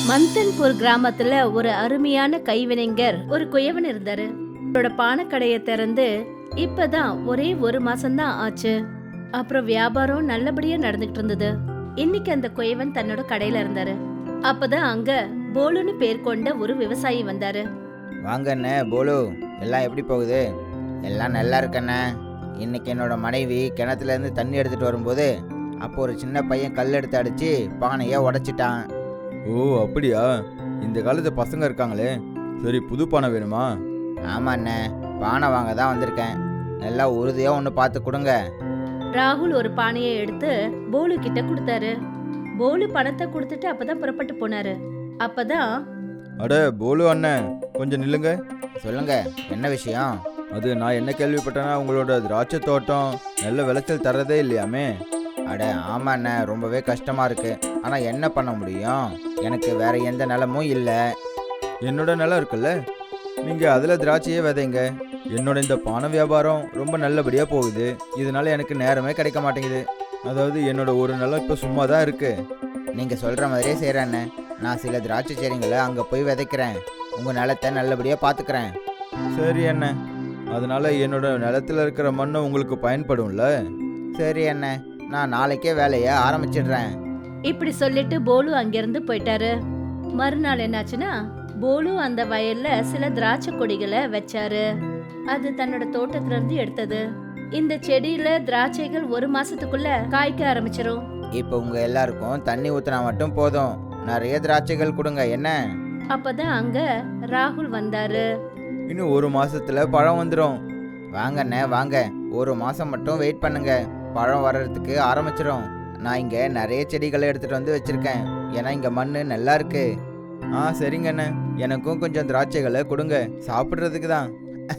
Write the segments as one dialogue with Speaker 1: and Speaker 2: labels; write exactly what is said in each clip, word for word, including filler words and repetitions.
Speaker 1: மந்தன்பூர் கிராமத்துல ஒரு அருமையான கைவினைஞர் ஒரு குயவன் இருந்தாரு. அவரோட பானக்கடைய திறந்து இப்பதான் ஒரே ஒரு மாசம்தான் ஆச்சு. அப்புறம் வியாபாரம் நல்லபடியா நடந்துகிட்டு இருந்தது. இன்னைக்கு அந்த குயவன் தன்னோட கடையில இருந்தாரு. அப்பதான் அங்க போலுன்னு பேர் கொண்ட ஒரு விவசாயி வந்தாரு.
Speaker 2: வாங்க அண்ணே போலு, எல்லாம் எப்படி போகுது? எல்லாம் நல்லா இருக்கண்ணே. இன்னைக்கு என்னோட மனைவி கிணத்துல இருந்து தண்ணி எடுத்துட்டு வரும்போது அப்போ ஒரு சின்ன பையன் கல் எடுத்து அடிச்சு பானையை உடைச்சிட்டான்.
Speaker 3: ஓ அப்படியா? இந்த காலத்து பசங்க இருக்காங்களே. சரி, புது பானை வேணுமா?
Speaker 2: ஆமா அண்ணே, பானை வாங்க தான் வந்திருக்கேன். நல்லா உறுதியாக ஒன்று பார்த்து கொடுங்க.
Speaker 1: ராகுல் ஒரு பானையை எடுத்து போலு கிட்ட கொடுத்தாரு. போலு பணத்தை கொடுத்துட்டு அப்பதான் புறப்பட்டு போனாரு. அப்பதான்
Speaker 3: அட போலு அண்ணன், கொஞ்சம் நில்லுங்க.
Speaker 2: சொல்லுங்க, என்ன விஷயம்?
Speaker 3: அது நான் என்ன கேள்விப்பட்டேன்னா உங்களோட திராட்சை தோட்டம் நல்ல விளைச்சல் தர்றதே இல்லையாமே.
Speaker 2: அட ஆமா அண்ணே, ரொம்பவே கஷ்டமா இருக்கு. ஆனால் என்ன பண்ண முடியும், எனக்கு வேற எந்த நிலமும் இல்லை.
Speaker 3: என்னோட நிலம் இருக்குல்ல, நீங்கள் அதில் திராட்சையே விதைங்க. என்னோட இந்த பானை வியாபாரம் ரொம்ப நல்லபடியாக போகுது. இதனால எனக்கு நேரமே கிடைக்க மாட்டேங்குது. அதாவது என்னோட ஒரு நிலம் இப்போ சும்மா தான் இருக்கு.
Speaker 2: நீங்கள் சொல்கிற மாதிரியே செய்கிறேண்ணே. நான் சில திராட்சை செடிங்களை அங்கே போய் விதைக்கிறேன். உங்கள் நிலத்தை நல்லபடியாக பார்த்துக்கிறேன்.
Speaker 3: சரி அண்ணே, அதனால என்னோட நிலத்தில் இருக்கிற மண்ணை உங்களுக்கு பயன்படும்ல?
Speaker 2: சரி அண்ணே, நான் நாளைக்கே வேலையை ஆரம்பிச்சிடுறேன்.
Speaker 1: இப்படி சொல்லிட்டு போலு அங்கிருந்து போயிட்டாரு. மறுநாள் என்னாச்சுன்னா, போலு அந்த வயல்ல சில திராட்சை கொடிகளை வச்சாரு. அது தன்னோட தோட்டத்துல இருந்து எடுத்தது. இந்த செடியில திராட்சைகள் ஒரு மாசத்துக்குள்ள காய்க்க ஆரம்பிச்சிரும்.
Speaker 2: இப்போ உங்க எல்லாருக்கும் தண்ணி ஊத்தினா மட்டும் போதும். நிறைய திராட்சைகள் கொடுங்க என்ன?
Speaker 1: அப்பதான் அங்க ராகுல் வந்தாரு.
Speaker 3: இன்னும் ஒரு மாசத்துல பழம் வந்துடும்.
Speaker 2: வாங்கண்ணே வாங்க, ஒரு மாசம் மட்டும் வெயிட் பண்ணுங்க, பழம் வர்றதுக்கு ஆரம்பிச்சிடும். நான் இங்க நிறைய செடிகளை எடுத்துட்டு வந்து வச்சிருக்கேன். ஏன்னா இங்க மண்ணு நல்லா இருக்கு.
Speaker 3: ஆ சரிங்கண்ணே, எனக்கும் கொஞ்சம் திராட்சைகளை கொடுங்க, சாப்பிட்றதுக்கு தான்.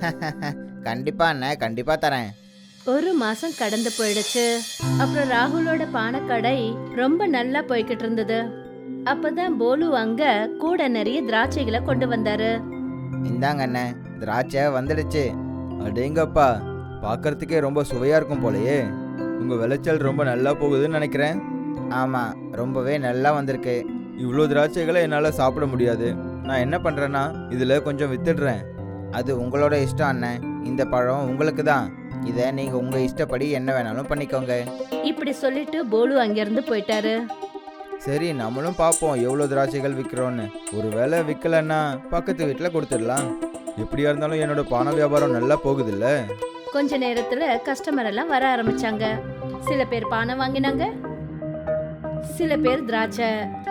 Speaker 2: கண்டிப்பா அண்ணே, கண்டிப்பா தரேன்.
Speaker 1: ஒரு மாசம் கடந்து போயிடுச்சு. அப்புறம் ராகுலோட பானக்கடை ரொம்ப நல்லா போய்கிட்டு இருந்தது. அப்பதான் போலு அங்க கூட நிறைய திராட்சைகளை கொண்டு வந்தாரு.
Speaker 2: இந்தாங்க அண்ணே, திராட்சை வந்துடுச்சு.
Speaker 3: அடேங்கப்பா, பார்க்கறதுக்கே ரொம்ப சுவையா இருக்கும் போலயே. உங்க விளைச்சல் ரொம்ப நல்லா போகுதுன்னு நினைக்கிறேன்.
Speaker 2: ஆமா, ரொம்பவே நல்லா வந்திருக்கு.
Speaker 3: இவ்வளோ திராட்சைகளை என்னால் சாப்பிட முடியாது. நான் என்ன பண்ணுறேன்னா இதில் கொஞ்சம் வித்துடுறேன்.
Speaker 2: அது உங்களோட இஷ்டம் அண்ணே. இந்த பழம் உங்களுக்கு தான். இதை நீங்க உங்க இஷ்டப்படி என்ன வேணாலும் பண்ணிக்கோங்க.
Speaker 1: இப்படி சொல்லிட்டு போலு அங்கிருந்து போயிட்டாரு.
Speaker 3: சரி, நம்மளும் பார்ப்போம் எவ்வளோ திராட்சைகள் விற்கிறோன்னு. ஒரு வேளை விற்கலன்னா பக்கத்து வீட்டில் கொடுத்துடலாம். எப்படியா இருந்தாலும் என்னோட பண வியாபாரம் நல்லா போகுதுல்ல.
Speaker 1: கொஞ்ச நேரத்துல கஸ்டமர் எல்லாம் வர ஆரம்பிச்சாங்க. சில பேர் பானை வாங்கினாங்க, சில பேர் திராட்சை.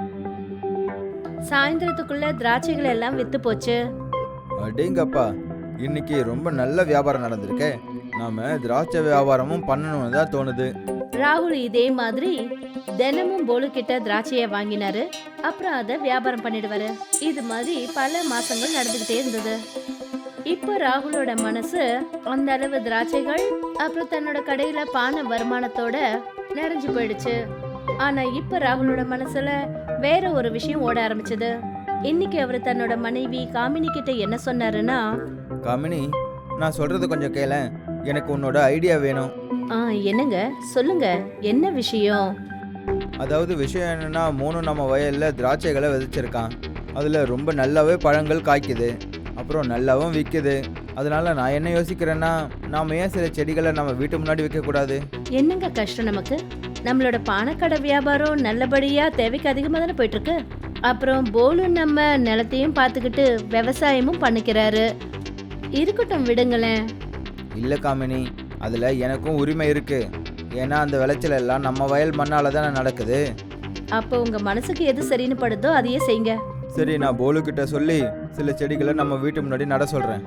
Speaker 1: சாயந்தரத்துக்குள்ள திராட்சைகள் எல்லாம் வித்து போச்சு.
Speaker 3: அடேங்கப்பா, இன்னைக்கு ரொம்ப நல்ல வியாபாரம் நடந்திருக்கே. நாம திராட்சை வியாபாரமும் பண்ணணும்னு தான் தோணுது.
Speaker 1: ராகுல் இதே மாதிரி தினமும் போலு கிட்ட திராட்சைய வாங்கினாரு. அப்புறம் அதை வியாபாரம் பண்ணிடுவாரு. இது மாதிரி பல மாசங்கள் நடந்துகிட்டே இருந்தது. இப்ப ராகுலோட மனசு அந்த அளவு திராட்சைகள் அப்புறம் தன்னோட கடையில பானை வருமானத்தோட நிறைஞ்சு போயிடுச்சு. ஆனா இப்ப ராகுலோட மனசுல வேற ஒரு விஷயம் ஓட ஆரம்பிச்சது. இன்னைக்கு அவர் தன்னோட மனைவி காமினி கிட்ட என்ன சொன்னாருன்னா,
Speaker 3: காமினி, நான் சொல்றது கொஞ்சம் கேள. எனக்கு உன்னோட ஐடியா வேணும்.
Speaker 1: ஆ என்னங்க, சொல்லுங்க, என்ன விஷயம்?
Speaker 3: அதாவது விஷயம் என்னன்னா, மூணு நம்ம வயல்ல திராட்சைகளை விதைச்சிருக்கான். அதுல ரொம்ப நல்லாவே பழங்கள் காய்க்குது, அப்புறம் நல்லாவும் விற்குது. அதனால நான் என்ன யோசிக்கிறேன்னா, நாம ஏன் சில செடிகளை நம்ம வீட்டு முன்னாடி வைக்கக்கூடாது?
Speaker 1: என்னங்க கஷ்டம் நமக்கு? நம்மளோட பானக்கடை வியாபாரம் நல்லபடியா தேவைக்கு அதிகமாக தானே போயிட்டு இருக்கு. அப்புறம் போலு நம்ம நிலத்தையும் பார்த்துக்கிட்டு விவசாயமும் பண்ணிக்கிறாரு. இருக்கட்டும், விடுங்களேன்.
Speaker 3: இல்லை காமினி, அதில் எனக்கும் உரிமை இருக்கு. ஏன்னா அந்த விளைச்சல் எல்லாம் நம்ம வயல் மண்ணால தானே நடக்குது.
Speaker 1: அப்போ உங்க மனசுக்கு எது சரின்னு படுதோ அதையே செய்யுங்க.
Speaker 3: சரி, நான் போலு கிட்ட சொல்லி சில செடிகளை நம்ம வீட்டு முன்னாடி நட சொல்றேன்.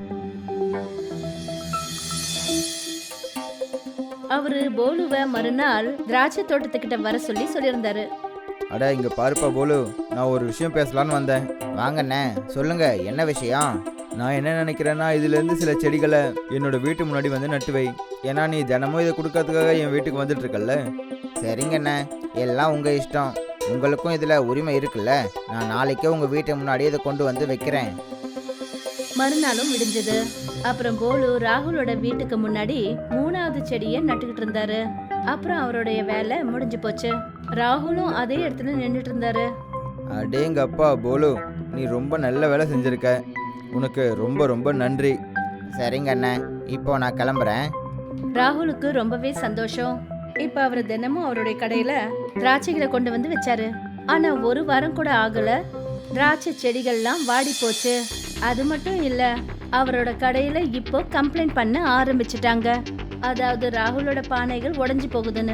Speaker 1: அவரு போலுவை மறுநாள் திராட்சை தோட்டத்துக்கிட்ட வர சொல்லி சொல்லியிருந்தாரு.
Speaker 3: அட இங்க பாருப்பா போலு, நான் ஒரு விஷயம் பேசலான்னு வந்தேன்.
Speaker 2: வாங்கண்ணே, சொல்லுங்க, என்ன விஷயம்?
Speaker 3: நான் என்ன நினைக்கிறேன்னா, இதுலேருந்து சில செடிகளை என்னோட வீட்டு முன்னாடி வந்து நட்டு வை. ஏன்னா நீ தினமும் இதை கொடுக்கறதுக்காக என் வீட்டுக்கு வந்துட்டு இருக்கல்ல.
Speaker 2: சரிங்கண்ணே, எல்லாம் உங்க இஷ்டம். உங்களுக்கும் இதுல உரிமை இருக்குல்ல. நான் நாளைக்கே உங்க வீட்டு முன்னாடி இதை கொண்டு வந்து வைக்கிறேன்.
Speaker 1: மறுநாளும் விடிஞ்சது. அப்புறம் போலு ராகுலோட வீட்டுக்கு முன்னாடி மூணாவது செடியை நட்டுக்கிட்டு இருந்தாரு. அப்புறம் அவருடைய வேலை முடிஞ்சு போச்சு. ராகுலும் அதே இடத்துல நின்றுட்டு இருந்தாரு.
Speaker 3: அடேங்கப்பா போலு, நீ ரொம்ப நல்ல வேலை செஞ்சிருக்க. உனக்கு ரொம்ப ரொம்ப நன்றி.
Speaker 2: சரிங்க அண்ணன், இப்போ நான் கிளம்புறேன்.
Speaker 1: ராகுலுக்கு ரொம்பவே சந்தோஷம். இப்ப அவர் தினமும் அவருடைய கடையில திராட்சைகளை கொண்டு வந்து வச்சாரு. ஆனா ஒரு வாரம் கூட ஆகல, திராட்சை செடிகள்லாம் வாடி போச்சு. அது மட்டும் இல்ல, அவரோட கடையில இப்போ கம்ப்ளைண்ட் பண்ண ஆரம்பிச்சிட்டாங்க. அதாவது ராகுலோட பானைகள் உடைஞ்சு போகுதுன்னு.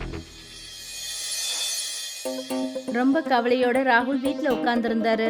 Speaker 1: ரொம்ப கவலையோட ராகுல் வீட்ல உட்கார்ந்து இருந்தாரு.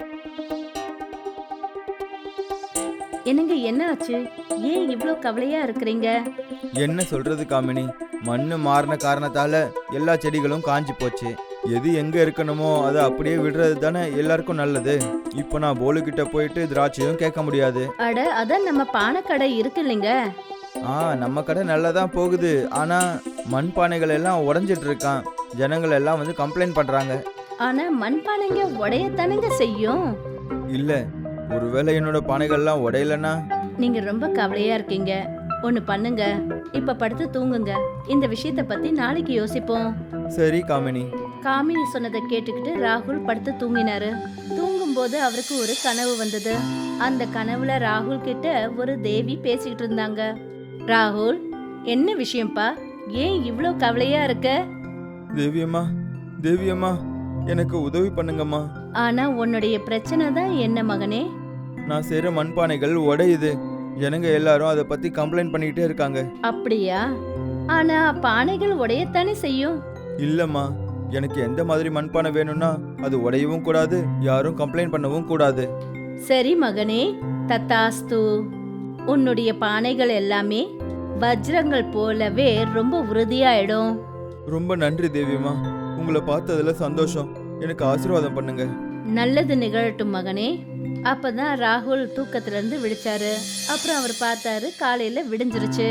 Speaker 1: என்னங்க, என்ன ஆச்சு? ஏன் இவ்ளோ கவலையா இருக்கிறீங்க?
Speaker 3: என்ன சொல்றது காமினி, மண்ணு மாறின காரணத்தால எல்லா செடிகளும் காஞ்சி போச்சு. எது எங்க இருக்கணுமோ அதை அப்படியே விடுறது தானே எல்லாருக்கும் நல்லது. இப்போ நான் போலு கிட்ட போயிட்டு திராட்சையும் கேட்க முடியாது.
Speaker 1: அட, அதான் நம்ம பானை கடை இருக்கு இல்லைங்க.
Speaker 3: ஆ, நம்ம கடை நல்லா தான் போகுது. ஆனா மண் பானைகள் எல்லாம் உடஞ்சிட்டு இருக்கான். ஜனங்கள் எல்லாம் வந்து கம்ப்ளைண்ட் பண்றாங்க.
Speaker 1: ஆனா மண்பானைங்க உடையத்தானுங்க செய்யும்.
Speaker 3: இல்ல, ஒருவேளை என்னோட பானைகள்லாம் உடையலன்னா?
Speaker 1: நீங்க ரொம்ப கவலையா இருக்கீங்க. ஒண்ணு பண்ணுங்க, இப்ப படுத்து தூங்குங்க. இந்த விஷயத்த பத்தி நாளைக்கு யோசிப்போம்.
Speaker 3: சரி காமினி.
Speaker 1: காமினி சொன்னதை கேட்டுக்கிட்டு ராகுல் படுத்து தூங்கினாரு. தூங்கும்போது அவருக்கு ஒரு கனவு வந்தது. அந்த கனவுல ராகுல் கிட்ட ஒரு தேவி பேசிக்கிட்டு இருந்தாங்க. ராகுல், என்ன விஷயம்ப்பா? ஏன் இவ்ளோ கவலையா இருக்க?
Speaker 3: தேவியம்மா, தேவியம்மா, எனக்கு உதவி பண்ணுங்கம்மா.
Speaker 1: ஆனா உன்னுடைய பிரச்சனை தான் என்ன மகனே?
Speaker 3: நான் செய்கிற மண்பானைகள் உடையுது. ஜனங்க எல்லாரும் அதை பத்தி கம்ப்ளைண்ட் பண்ணிக்கிட்டே இருக்காங்க.
Speaker 1: அப்படியா? ஆனா பானைகள் உடையத்தானே செய்யும்.
Speaker 3: இல்லம்மா, எனக்கு எந்த மாதிரி மண்பானை வேணும்னா அது உடையவும் கூடாது, யாரும் கம்ப்ளைண்ட் பண்ணவும் கூடாது.
Speaker 1: சரி மகனே, தத்தாஸ்து. உன்னுடைய பானைகள் எல்லாமே வஜ்ரங்கள் போலவே ரொம்ப உறுதியாயிடும்.
Speaker 3: ரொம்ப நன்றி தேவியம்மா, உங்களை பார்த்ததுல சந்தோஷம். எனக்கு ஆசீர்வாதம் பண்ணுங்க.
Speaker 1: நல்லது நிகழட்டும் மகனே. அப்பதான் ராகுல் தூக்கத்துல இருந்து விழிச்சாரு. அப்புறம் அவர் பார்த்தாரு, காலையில விடிஞ்சிருச்சு.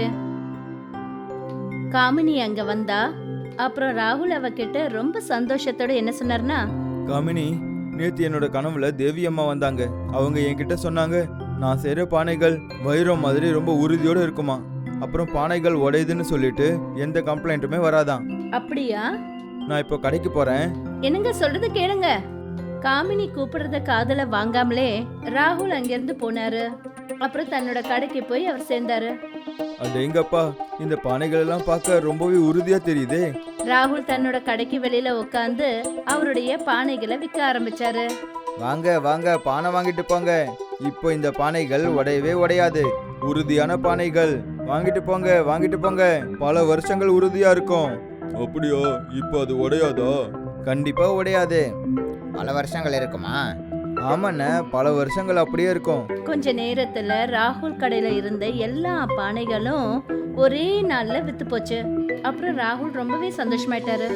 Speaker 1: காமினி அங்க வந்தா. அப்புறம் ராகுல் அவகிட்ட ரொம்ப சந்தோஷத்தோட என்ன சொன்னார்னா,
Speaker 3: காமினி, நேத்து என்னோட கனவுல தேவியம்மா வந்தாங்க. அவங்க என்கிட்ட சொன்னாங்க, நான் செய்கிற பானைகள் வைரம் மாதிரி ரொம்ப உறுதியோடு இருக்குமா. அப்புறம் பானைகள் உடையுதுன்னு சொல்லிட்டு எந்த கம்ப்ளைண்ட்டுமே வராதான்.
Speaker 1: அப்படியா?
Speaker 3: நான் இப்போ கடைக்கு போறேன்.
Speaker 1: என்னங்க சொல்றது கேளுங்க. காமினி கூப்பிடுறத காதுல வாங்காமலே ராகுல் அங்கிருந்து போனாரு. அப்புறம் தன்னோட கடைக்கு போய் அவர் சேர்ந்தாரு.
Speaker 3: அடேங்கப்பா, இந்த பானைகள் எல்லாம் பார்க்க ரொம்பவே உறுதியா தெரியுதே.
Speaker 1: ராகுல் தன்னோட கடைக்கு வெளியில உட்காந்து அவருடைய பானைகளை விற்க ஆரம்பிச்சாரு.
Speaker 3: வாங்க வாங்க, பானை வாங்கிட்டு போங்க. இப்போ இந்த பானைகள் உடையவே உடையாது, உறுதியான பானைகள். வாங்கிட்டு போங்க, வாங்கிட்டு போங்க. பல வருஷங்கள் உறுதியா இருக்கும். அப்படியா? இப்போ அது உடையாதா? கண்டிப்பா உடையாது.
Speaker 2: பல வருஷங்கள் இருக்குமா?
Speaker 3: ஆமாண்ணே, பல வருஷங்கள் அப்படியே இருக்கும்.
Speaker 1: கொஞ்ச நேரத்துல ராகுல் கடையில இருந்த எல்லா பானைகளும் ஒரே நாள்ல வித்து போச்சு. அப்புறம் ராகுல் ரொம்பவே சந்தோஷமாயிட்டாரு.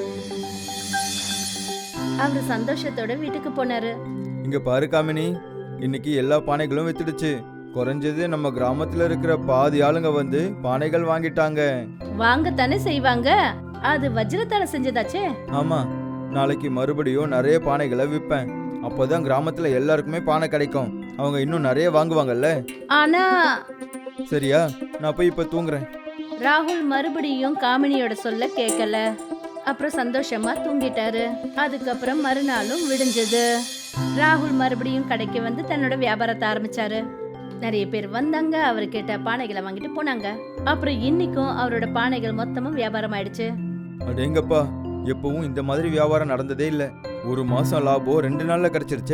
Speaker 1: அவரு சந்தோஷத்தோட வீட்டுக்கு போனாரு.
Speaker 3: இங்க பாரு காமினி, இன்னைக்கு எல்லா பானைகளும் வித்துடுச்சு. குறைஞ்சது நம்ம கிராமத்துல இருக்கிற பாதி ஆளுங்க வந்து பானைகள் வாங்கிட்டாங்க.
Speaker 1: வாங்கத்தானே செய்வாங்க, அது வஜ்ரத்தால செஞ்சதாச்சே.
Speaker 3: ஆமா, நாளைக்கு மறுபடியும் நிறைய பானைகளை விற்பேன். அப்போதான் கிராமத்துல எல்லாருக்குமே பானை கிடைக்கும். அவங்க இன்னும் நிறைய வாங்குவாங்கல்ல.
Speaker 1: ஆனா
Speaker 3: சரியா, நான் போய் இப்ப தூங்குறேன்.
Speaker 1: ராகுல் மறுபடியும் காமினியோட சொல்ல கேட்கல. அப்புறம் சந்தோஷமா தூங்கிட்டாரு. அதுக்கப்புறம் மறுநாளும் விடிஞ்சது. ராகுல் மறுபடியும் கடைக்கு வந்து தன்னோட வியாபாரத்தை ஆரம்பிச்சாரு. நிறைய பேர் வந்தாங்க, அவர்கிட்ட பானைகளை வாங்கிட்டு போனாங்க. அப்புறம் இன்னைக்கும் அவரோட பானைகள் மொத்தமும் வியாபாரம் ஆயிடுச்சு.
Speaker 3: அடேங்கப்பா, எப்பவும் இந்த மாதிரி வியாபாரம் நடந்ததே இல்ல. ஒரு மாசம் லாபம் ரெண்டு நாள்ல கிடைச்சிருச்சே.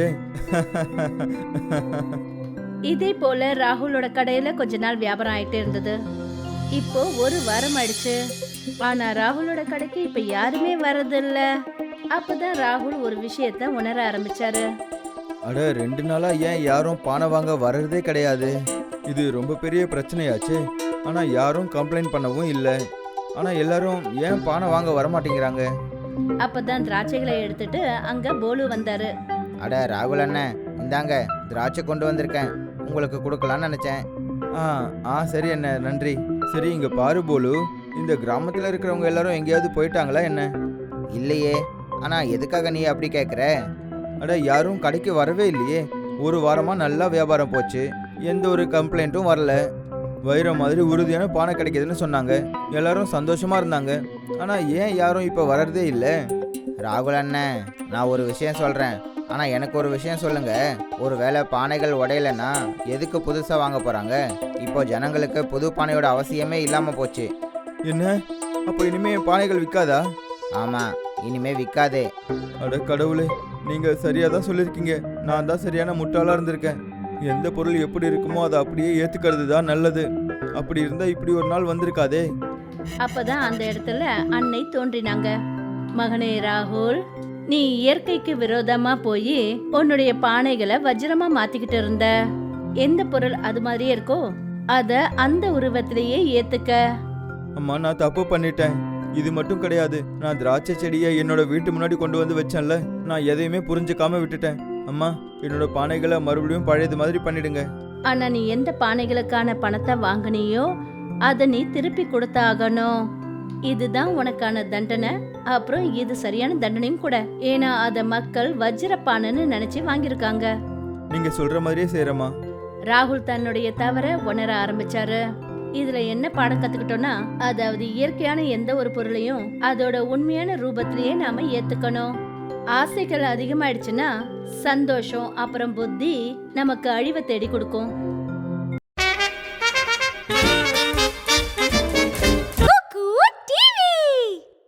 Speaker 1: இதே போல ராகுலோட கடையில கொஞ்ச நாள் வியாபாரம் ஆயிட்டே இருந்தது. இப்போ ஒரு வாரம் ஆயிடுச்சு. ஆனா ராகுலோட கடைக்கு இப்ப யாருமே வர்றதில்ல. அப்பதான் ராகுல் ஒரு விஷயத்த உணர ஆரம்பிச்சாரு.
Speaker 3: அட, ரெண்டு நாளா ஏன் யாரும் பானை வாங்க வர்றதே கிடையாது? இது ரொம்ப பெரிய பிரச்சனையாச்சு. ஆனா யாரும் கம்ப்ளைண்ட் பண்ணவும் இல்லை. ஆனா எல்லாரும் ஏன் பானை வாங்க வரமாட்டேங்கிறாங்க?
Speaker 1: அப்பதான் திராட்சைகளை எடுத்துட்டு அங்க போலு வந்தாரு.
Speaker 2: அட ராகுல் அண்ணன், இந்தாங்க திராட்சை கொண்டு வந்திருக்கேன், உங்களுக்கு கொடுக்கலான்னு நினைச்சேன்.
Speaker 3: ஆ ஆ சரி அண்ணே, நன்றி. சரி, இங்க பாரு போலு, இந்த கிராமத்துல இருக்கிறவங்க எல்லாரும் எங்கேயாவது போயிட்டாங்களா என்ன?
Speaker 2: இல்லையே. ஆனா எதுக்காக நீ அப்படி கேட்குற?
Speaker 3: அட, யாரும் கடைக்கு வரவே இல்லையே. ஒரு வாரமா நல்லா வியாபாரம் போச்சு, எந்த ஒரு கம்ப்ளைண்ட்டும் வரல. வைரம் மாதிரி உறுதியான பானை கிடைக்குதுன்னு சொன்னாங்க. எல்லாரும் சந்தோஷமா இருந்தாங்க. ஆனா ஏன் யாரும் இப்ப வர்றதே இல்லை?
Speaker 2: ராகுல் அண்ணன், நான் ஒரு விஷயம் சொல்கிறேன். ஆனால் எனக்கு ஒரு விஷயம் சொல்லுங்க. ஒரு வேளை பானைகள் உடையலைன்னா எதுக்கு புதுசாக வாங்க போகிறாங்க? இப்போ ஜனங்களுக்கு புது பானையோட அவசியமே இல்லாமல் போச்சு.
Speaker 3: என்ன, அப்போ இனிமே என் பானைகள் விற்காதா?
Speaker 2: ஆமாம், இனிமே விற்காதே.
Speaker 3: அட கடவுளே, நீங்கள் சரியாக தான் சொல்லியிருக்கீங்க. நான் தான் சரியான முட்டாளாக இருந்திருக்கேன். எந்த பொருள் எப்படி இருக்குமோ அதை அப்படியே ஏற்றுக்கிறது தான் நல்லது. அப்படி இருந்தால் இப்படி ஒரு நாள் வந்திருக்காதே.
Speaker 1: அப்பதான் அந்த இடத்துல அன்னை தோன்றினாங்க. மகனே ராகுல், நீ இயற்கைக்கு விரோதமா போய் உன்னுடைய பானைகளை வஜ்ரமா மாத்திக்கிட்டு இருந்த. எந்த பொருள் அது மாதிரியே இருக்கோ அத அந்த உருவத்திலேயே ஏத்துக்க.
Speaker 3: அம்மா, நான் தப்பு பண்ணிட்டேன். இது மட்டும் கிடையாது, நான் திராட்சை செடியை என்னோட வீட்டு முன்னாடி கொண்டு வந்து வச்சேன்ல, நான் எதையுமே புரிஞ்சுக்காம விட்டுட்டேன். அம்மா, என்னோட பானைகளை மறுபடியும் பழையது மாதிரி பண்ணிடுங்க.
Speaker 1: ஆனா நீ எந்த பானைகளுக்கான பணத்தை வாங்கினியோ அத நீ திருப்பி கொடுத்தாகணும். இதுதான் உனக்கான தண்டனை. அப்புறம் இது சரியான தண்டனையும் கூட. ஏன்னா அத மக்கள் வஜ்ரப்பானைன்னு நினைச்சு வாங்கியிருக்காங்க.
Speaker 3: நீங்க சொல்ற மாதிரியே செய்யறமா.
Speaker 1: ராகுல் தன்னுடைய தவற உணர ஆரம்பிச்சாரு. இதுல என்ன பாடம் கத்துக்கிட்டோம்னா, அதாவது இயற்கையான எந்த ஒரு பொருளையும் அதோட உண்மையான ரூபத்திலேயே நாம ஏத்துக்கணும். ஆசைகள் அதிகமாயிடுச்சுன்னா சந்தோஷம் அப்புறம் புத்தி நமக்கு அழிவை தேடி கொடுக்கும்.